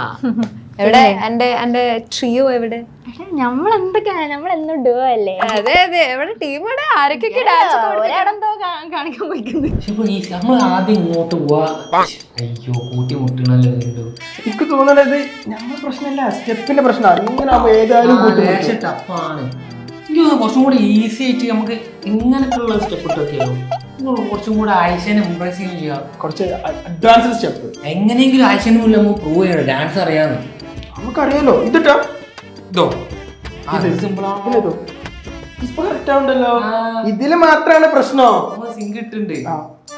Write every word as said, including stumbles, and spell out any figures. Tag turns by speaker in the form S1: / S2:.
S1: എവിടെ എന്റെ എന്റെ ട്രിയോ എവിടെ?
S2: നമ്മളെന്തൊക്കെ നമ്മളെന്നും ഡുവോ അല്ലേ?
S1: അതെ അതെ, എവിടെ ടീം? ഇവിടെ ആരൊക്കെ ഡാൻസ്
S2: ഒരാടെന്തോ കാണിക്കാൻ പോയിക്കുന്നത്.
S3: നമ്മൾ ആദ്യം ഇങ്ങോട്ട് പോവാ. അയ്യോ കൂട്ടി മുട്ടണല്ലോ.
S4: എനിക്ക് തോന്നണത് ഞമ്മളെ പ്രശ്നമല്ല, സ്റ്റെപ്പിന്റെ പ്രശ്നമാണ്. ഇങ്ങനെ ഏതായാലും
S3: ടഫാണ്. എനിക്ക് കുറച്ചും കൂടി ഈസി ആയിട്ട് നമുക്ക് ഇങ്ങനത്തുള്ള സ്റ്റെപ്പ് ഇട്ടൊക്കെയോ കുറച്ചും കൂടെ ആയിഷനെ ഇംപ്രസ് ചെയ്യുകയും ചെയ്യാം.
S4: കുറച്ച് അഡ്വാൻസ് സ്റ്റെപ്പ്
S3: എങ്ങനെയെങ്കിലും ആയിഷന് മുന്നിൽ നമുക്ക് പ്രൂവ് ചെയ്യണം ഡാൻസ് അറിയാന്ന്.
S4: നമുക്കറിയാലോ. ഇതിട്ടോ
S3: ഇതോ സിമ്പിൾ ആണല്ലോ.
S4: ഇപ്പൊ കറക്റ്റ് ആവുണ്ടല്ലോ. ഇതില് മാത്രമാണ് പ്രശ്നം.
S3: സിങ്ക് ഇട്ടുണ്ട്.